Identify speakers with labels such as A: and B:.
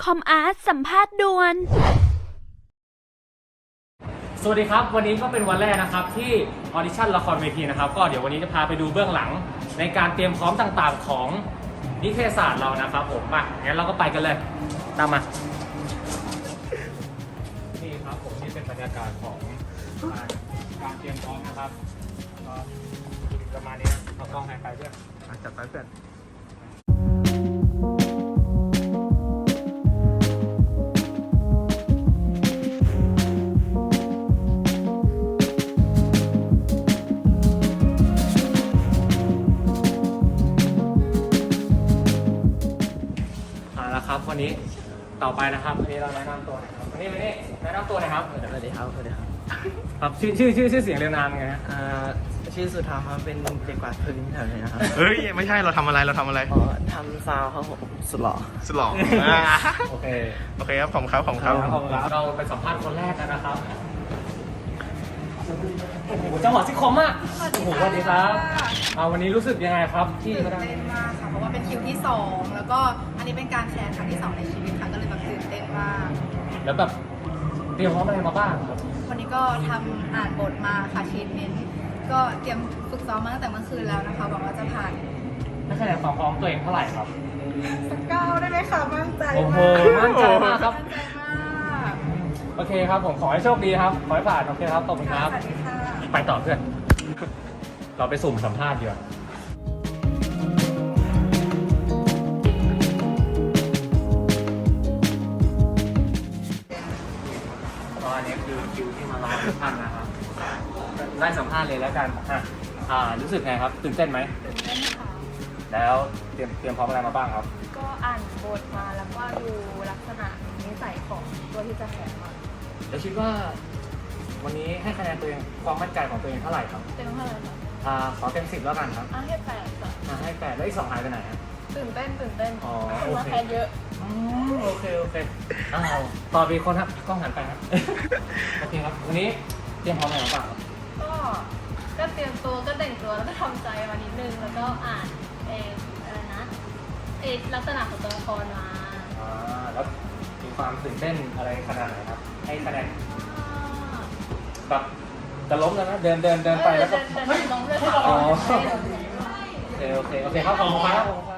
A: คอมอาร์ตสัมภาษณ์ด่วน
B: สวัสดีครับวันนี้ก็เป็นวันแรกนะครับที่ออดิชั่นละครเวทีนะครับก็เดี๋ยววันนี้จะพาไปดูเบื้องหลังในการเตรียมพร้อมต่างๆของนิเทศศาสตร์เรานะครับผมมางั้นเราก็ไปกันเลยตามมานี่ครับผมนี่เป็นบรรยากาศของการเตรียมพร้อมนะครับก็ประมาณนี้เอากล้องไปเพื่อนจัดไปเพื่อนครับวันนี้ต่อไปนะครับวันนี้เราแนะนำตัวนะครับวันนี้แนะนำตัวหน่อยครับสวัสดีครับครับชื่อเสียงเรียงนามไงฮะ
C: ชื่อสุธรรมครับเป็นเด็กกวาดพื้นแถวนี้นะครับ
D: เฮ้ยไม่ใช่เราทำอะไร
C: ทำซาวครับผมสุดหล่อ
B: โอเค
D: ครับผมครับ
B: เราไปสัมภาษณ์คนแรกกันนะครับโอ้โหจังหวะซิคอมมากโอ้โหสวัสดีครับวันนี้รู้สึกยังไงครับที่
E: ตื่นเต้นมากค่ะเพราะว่าเป็นคิวที่2แล้วก็อันนี้เป็นการแชร์ครั้งที่2ในชีวิตค่ะก็เลยแบบตื่นเต้นมาก
B: แล้วแบบเตรียมพร้อมอะไรมาบ้างครับ
E: วันนี้ก็ทำอ่านบทมาค่ะชีทเมนต์ก็เตรียมฝึกซ้อมมาตั้งแต่เมื่อคืนแล้วนะคะหวังว่าจะผ่าน
B: ให้คะแนนความพร้อมตัวเองเท่าไหร่ครับ
E: สัก9ได้ไหมคะมั่นใจมาก
B: โอ้โหมั่นใจมากครับ
E: มั่นใจมาก
B: โอเคครับผมขอให้โชคดีครับขอให้ผ่านโอเคครับขอบคุณครับ
E: สวัสดีค่ะ
B: ไปต่อเพื่อน เราไปสุ่มสัมภาษณ์ดีกว่าอันนี้คือคิวที่มารอทุกท่านนะครับได้สัมภาษณ์เลยแล้วกันรู้สึกไงครับตื่นเต้นไหม
F: ตื่นเต้นค่ะ
B: แล้วเตรียมพร้อมอะไรมาบ้างครับ
F: ก็อ่านบทมาแล้วก็ดูลักษณะนิสัยของตัวที่จะแข่งมา
B: แล้วคิดว่าวันนี้ให้คะแนนตัวเองความมั่นใจของตัวเองเท่าไหร่ครับ
F: เต็มเท่าไหร่คะ
B: ขอเต็ม10แล้วกันครับ
F: ให้8ค่ะ
B: ให้8แล้วอีก2หายไปไหนครับ
F: ตื่นเต้น
B: อ๋อ
F: คือว่าแพ้เยอะ
B: โอเคต่อไปคนครับกล้องหันไปครับ โอเคครับวันนี้เตรียมพร้อมอะไรมาบ้างครับ
F: ก็เตรียมตัวก็แต่งตัวแล้วก็ทำใจมานิดนึงแล้วก็อ่านอะไรนะลักษณะของตัวละครมา
B: แล้วมีความตื่นเต้นอะไรขนาดไหนครับให้คะแนนแบบจะล้มแล้วนะเดินไปแล้วก็
F: เดินล้มเลยค่ะ
B: โอเคครับขอบคุณครับ